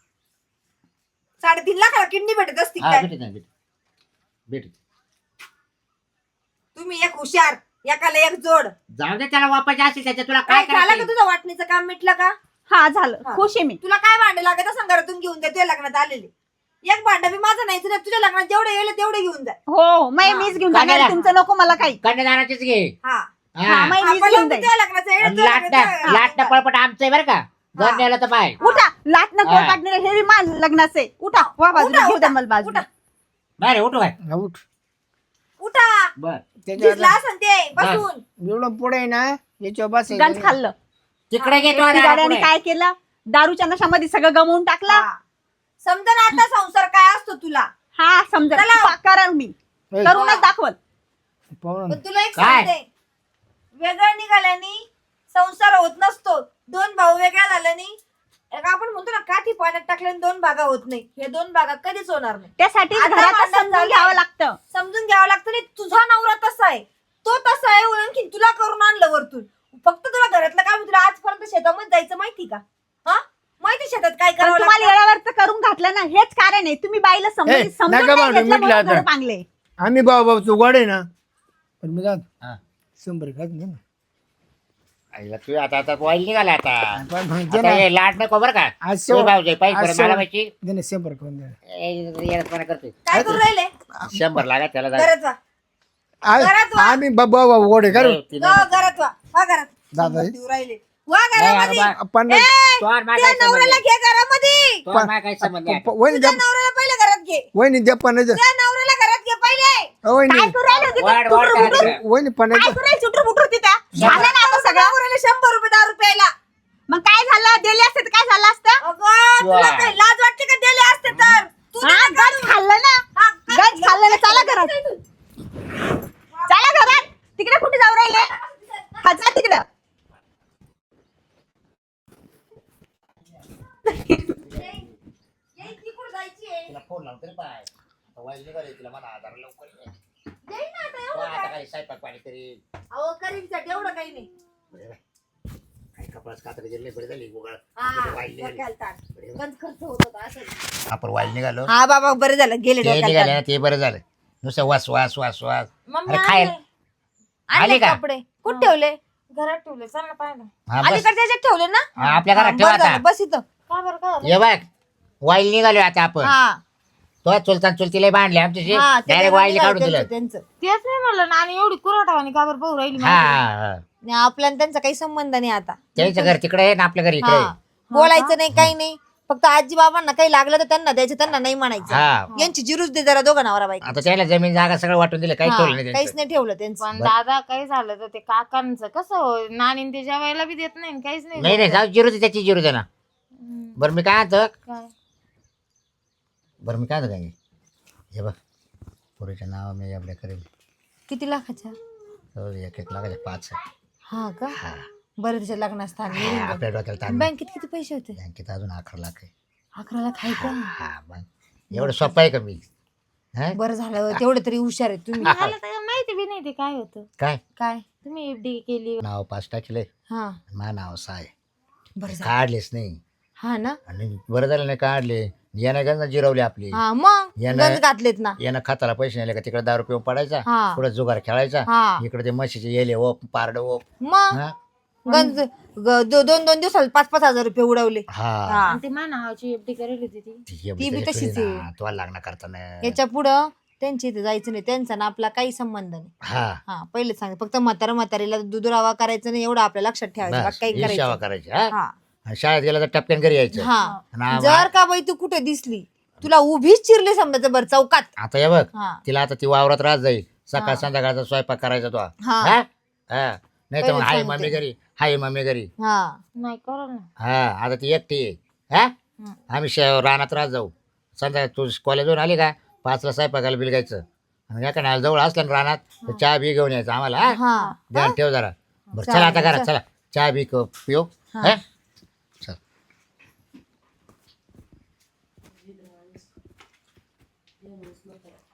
Speaker 1: 3.5 लाखाला किडनी भेटत असती
Speaker 3: हा
Speaker 1: काय?
Speaker 3: भेटत नाही भेटत
Speaker 1: तुम्ही एक हुशार एकाला एक जोड.
Speaker 3: जाऊ दे त्याला वापायचे असेल त्याच्या तुला
Speaker 1: काय
Speaker 3: काय
Speaker 1: झालं का
Speaker 3: करायचं
Speaker 1: तुझं वाटणीचं काम मिटलं का?
Speaker 2: हा झालं
Speaker 1: हा.
Speaker 2: खुश आहे मी.
Speaker 1: तुला काय भांडे लागत असं घरातून घेऊन जा तुझ्या लग्नात आलेले. एक भांडं बी माझं नाही तुझ्या लग्नात जेवढे येईल तेवढे घेऊन जा.
Speaker 2: हो मै
Speaker 1: हा.
Speaker 2: मीच घेऊन
Speaker 3: काय
Speaker 2: जाणार
Speaker 3: झालं?
Speaker 2: तुमचं नको मला काही.
Speaker 3: कन्यादानाचीच घे
Speaker 1: हा
Speaker 2: हा,
Speaker 3: हा.
Speaker 2: मै मीच
Speaker 1: आपण
Speaker 2: घेऊन जाईल.
Speaker 1: तुझ्या लग्नाचं येईल,
Speaker 3: आणि
Speaker 1: तुझ्या
Speaker 3: लाटणं
Speaker 1: लग्नाचं-
Speaker 3: लाटणं पळपट आमचं आहे बरं का
Speaker 1: हा.
Speaker 3: घर नेलं तर पाय
Speaker 2: उठा लाटणं
Speaker 3: हा.
Speaker 2: काढणार हे बी मान लग्नाचं आहे. उठा वा बाजूला
Speaker 1: उठा,
Speaker 2: घेऊ द्या
Speaker 1: उठा,
Speaker 2: मला बाजूला.
Speaker 1: उठा.
Speaker 3: नाही रे उठू काय
Speaker 5: हा, उठ
Speaker 1: उठा
Speaker 3: बर
Speaker 1: भिजला असन ते बसून.
Speaker 5: एवढं पुढे आहे ना याच्यावर बस
Speaker 2: गंज खाल्लं
Speaker 3: तिकडे घेतो
Speaker 2: ती गाड्याने काय केलं दारूच्या नशामध्ये सगळं गमवून टाकला.
Speaker 1: हा. समजा ना आता संसार काय असतो तुला.
Speaker 2: हा समजा
Speaker 1: चला.
Speaker 2: कारण मी करूनच दाखवल.
Speaker 5: पाहू
Speaker 1: पण तुला एक
Speaker 3: काय?
Speaker 1: सांगते वेगळं निघाल्याने संसार होत नसतो. 2 भाऊ वेगळ्या झाल्याने एक आपण म्हणतो ना काठी पाण्यात टाकल्याने 2 भागा होत नाही. हे 2 भागा कधीच होणार नाही.
Speaker 2: त्यासाठी
Speaker 1: आता
Speaker 2: घरातच
Speaker 1: भांडण
Speaker 2: समजून
Speaker 1: झालंय.
Speaker 2: घ्यावं लागतं.
Speaker 1: समजून घ्यावं लागतं. नाही तुझा नवरा तसा आहे तो तसा आहे आणखी तुला करून आणलं वरतून. फक्त तुला घरातलं काम तुला आजपर्यंत शेतामध्ये जायचं माहिती का? हा माहिती शेतात काय
Speaker 2: पण
Speaker 1: करावं
Speaker 2: तुम्हाला
Speaker 1: लागतं?
Speaker 2: येळावर तर करून घातलं ना हेच कारण आहे. तुम्ही बाईला
Speaker 5: ए,
Speaker 2: समजून समजून
Speaker 5: नका
Speaker 2: नाही
Speaker 5: भांडू,
Speaker 2: घेतलं
Speaker 5: मिटलं
Speaker 2: म्हणून
Speaker 5: आता.
Speaker 2: घर पांगले.
Speaker 5: आम्ही बाबा तू गोड आहे ना पण मी जात
Speaker 3: हा.
Speaker 5: 100 खात नाही ना
Speaker 3: आईला तू आता आता वाईल निघाला आता
Speaker 5: पण म्हणते
Speaker 3: आता
Speaker 5: ना
Speaker 3: हे लाट नको बरं का
Speaker 5: आज
Speaker 3: तू
Speaker 5: शेव-
Speaker 3: भाऊजाई पाहिजे
Speaker 5: आज
Speaker 3: परत
Speaker 5: शेव-
Speaker 3: मला माहिती
Speaker 5: दे ना 100 खाऊन दे.
Speaker 3: येडपणा करतोय
Speaker 1: काय करू राहिले
Speaker 3: 100 लागा त्याला जाऊ.
Speaker 1: घरात वा घरात वा.
Speaker 5: आम्ही बाबा गोड आहे का रे?
Speaker 3: ती
Speaker 1: go,
Speaker 3: नाही.
Speaker 1: घरात वा वा घरात
Speaker 5: दादा
Speaker 1: देऊ राहिले वा
Speaker 3: नाही,
Speaker 1: घरामध्ये.
Speaker 3: अरे बा-
Speaker 5: पण
Speaker 1: ए,
Speaker 3: तो आणि माझा
Speaker 1: त्या
Speaker 3: काय संबंध
Speaker 1: नवऱ्याला
Speaker 3: आहे?
Speaker 1: घे घरामध्ये.
Speaker 3: तो आणि माझा काय संबंध आहे?
Speaker 5: वहिनी
Speaker 1: तुझ्या
Speaker 5: द्या
Speaker 1: नवऱ्याला पहिले घरात घे.
Speaker 5: वहिनी द्या पणाचं
Speaker 1: त्या नवऱ्याला घरात घे पहिले.
Speaker 5: वहिनी
Speaker 2: काय करू राहिले तिथं?
Speaker 3: वाढ वाढ
Speaker 2: टुटूर
Speaker 3: करा
Speaker 2: फुटूर.
Speaker 3: तिकडे.
Speaker 5: वहिनी
Speaker 2: काय
Speaker 5: पणाचं
Speaker 2: करू राहिले चुटूर फुटूर तिथं? झालं ना आता सगळं.
Speaker 1: नवऱ्याला 100 रुपये दारू प्यायला.
Speaker 2: मग काय झालं दिले असते तर काय झालं असतं?
Speaker 1: अगं तुला
Speaker 3: वा.
Speaker 1: काय लाज वाटते का दिले असते तर तू
Speaker 2: हा गंज खाल्लं ना
Speaker 1: हा,
Speaker 2: गंज खाल्लं ना चला घरात चला घरात तिकडे कुठे जाऊ राहिले जा तिकडं
Speaker 1: ये, तिकडं जायची आहे.
Speaker 3: तिला फोन लावून तरी पाय आता वाईल निघाली तिला मला आधार लवकर ये.
Speaker 1: जाईन ना आता
Speaker 3: तो
Speaker 1: एवढं
Speaker 3: आता
Speaker 1: काय.
Speaker 3: काही स्वयंपाक पाणी तरी
Speaker 1: अहो करीमसाठी एवढं काही नाही.
Speaker 3: काही कपडाच कातडी गेले बरी झाली गोगळ
Speaker 1: हा
Speaker 3: वाईल निघाली.
Speaker 1: डोक्याला ताण. गंज खर्च होत होता असं.
Speaker 3: आपण वाईल निघालो
Speaker 1: हा बाबा बरं झालं गेले
Speaker 3: ते
Speaker 1: डोक्याला
Speaker 3: निघाले
Speaker 1: ताण.
Speaker 3: ना ते बरं झालं नुसतं वास वास वास वास
Speaker 4: मम्मी
Speaker 3: अरे खायला
Speaker 1: आणले
Speaker 3: आले का?
Speaker 1: कपडे कुठे ठेवले?
Speaker 4: घरात ठेवले चल ना पाहिलं
Speaker 3: हा बस
Speaker 1: अलीकडे त्याच्यात ठेवले ना?
Speaker 3: हा, आपल्या घरात
Speaker 1: हा,
Speaker 3: ठेवा
Speaker 1: बरं
Speaker 3: आता
Speaker 1: झालं, बस इथं.
Speaker 4: का बरं का
Speaker 3: ये बघ वाईल निघालो आता आपण
Speaker 1: हा
Speaker 3: तो चुलतान चुलतीला बांधले आमच्याशी
Speaker 1: हा, ते
Speaker 3: डायरेक्ट वाईल
Speaker 1: त्यांचं-
Speaker 3: काढून दिलं
Speaker 1: त्यांचं
Speaker 4: तेच नाही म्हणलं ना आणि एवढी कुराठावानी का बरं पाहू राहिली
Speaker 3: हा
Speaker 4: माहिती?
Speaker 3: हा, हा.
Speaker 1: नाही, आपल्याला त्यांचा काही संबंध नाही आता.
Speaker 3: त्यांचं घर तिकडे आहे ना आपल्या घर इकडे आहे.
Speaker 1: हा बोलायचं नाही काही नाही. फक्त आजी बाबांना काही लागलं तर त्यांना द्यायचं त्यांना नाही म्हणायचं.
Speaker 3: हा
Speaker 1: यांची जिरूच दे जरा दोघं नवरा बायको.
Speaker 3: आता त्याला जमीन जागा सगळं वाटून दिलं काही
Speaker 1: हा,
Speaker 3: ठेवलं नाही
Speaker 1: काहीच
Speaker 3: त्यांचं.
Speaker 1: नाही ठेवलं त्यांचं.
Speaker 4: पण दादा काही झालं तर ते काकांचं कसं हो नानीन ते जेवायला बी देत नाही काहीच नाही
Speaker 3: नाही नाही जाऊ जिरू दे त्याची जिरू दे ना
Speaker 4: हम्म,
Speaker 3: बरं मी काय म्हणतो
Speaker 4: काय
Speaker 3: बरं मी काय म्हणतो काय हे बघ पुरीच्या नाव मी आपल्या करेल
Speaker 1: किती लाखाच्या?
Speaker 3: हो, 1-1 लाखाच्या 5
Speaker 1: हा का
Speaker 3: हा
Speaker 1: बरं त्याच्या लग्नास्थान
Speaker 3: हा, आपल्या डोक्याला ताण नाही.
Speaker 1: बँकेत किती पैसे होते?
Speaker 3: बँकेत अजून 11 लाख आहे
Speaker 1: 11 लाख आहे का?
Speaker 3: हा मग एवढं सोपं आहे का मी हा?
Speaker 1: बरं झालं तेवढं तरी हुशार आहे तुम्ही.
Speaker 4: मला तर माहिती बी नाही ते काय होतं.
Speaker 3: काय
Speaker 1: काय
Speaker 4: तुम्ही एफडी केली.
Speaker 3: नाव 5 टाकले
Speaker 1: हा
Speaker 3: मा नाव 6 आहे.
Speaker 1: बरं झालं.
Speaker 3: काढलेच नाही
Speaker 1: हा ना
Speaker 3: आणि बरं झालं नाही काढले यानं गंज जिरवली आपली
Speaker 1: हा मग
Speaker 3: यानं-
Speaker 1: गंज घातलेत ना.
Speaker 3: यानं खताला पैसे नेले का तिकडे दारू पिऊन पडायचा
Speaker 1: हा.
Speaker 3: पुढे जुगार खेळायचा
Speaker 1: हा
Speaker 3: इकडे ते म्हशीचे येले ओप पारड ओप
Speaker 1: मग
Speaker 3: हा?
Speaker 1: गंज 2-2 दिवसात 5-5 हजार रुपये उडवले.
Speaker 3: हा
Speaker 1: हा
Speaker 4: आणि ते मा नावाची एफडी करेल होती ती.
Speaker 1: ती बी तशीच आहे.
Speaker 3: तुला लग्न करताना
Speaker 1: याच्या पुढं त्यांच्या इथे जायचं नाही, त्यांचा ना आपला काही संबंध नाही.
Speaker 3: हा
Speaker 1: हा पहिले सांग फक्त म्हातारीला दुधुरावा करायचं नाही एवढं आपल्या लक्षात ठेवायचं,
Speaker 3: बस
Speaker 1: बाकी काही
Speaker 3: ही सेवा
Speaker 1: करायचं
Speaker 3: करायची हा
Speaker 1: हा
Speaker 3: आणि शाळेत गेला तर टपक्यान घरी यायचं
Speaker 1: हा.
Speaker 3: आणि
Speaker 1: जर का बाई तू कुठे दिसली तुला उभीच चिरली समजायचं बरं चौकात.
Speaker 3: आता हे बघ
Speaker 1: हा
Speaker 3: तिला आता ती वावरात राहत जाईल सकाळ
Speaker 1: हा.
Speaker 3: संध्याकाळचा स्वयंपाक करायचा तो
Speaker 1: हा.
Speaker 3: हा हा नाही तर मग
Speaker 1: पहिलेच
Speaker 3: हाय
Speaker 1: सांगते.
Speaker 3: मम्मी घरी हाय मम्मी घरी
Speaker 1: हा
Speaker 4: नाही करल ना.
Speaker 3: हा आता ती एकटी आहे हा आम्ही रानात राहत जाऊ संध्याकाळ तू कॉलेजवरून आली का 5ला स्वयंपाकाला बिल घ्यायचं आणि एका जवळ असलं ना रानात तर चहा बी घेऊन यायचं आम्हाला हा
Speaker 1: हा
Speaker 3: ध्यान ठेव जरा बरं
Speaker 1: चालेल,
Speaker 3: चला आता घरात
Speaker 1: चल.
Speaker 3: चला चहा बी पिऊ
Speaker 1: हा.
Speaker 3: हा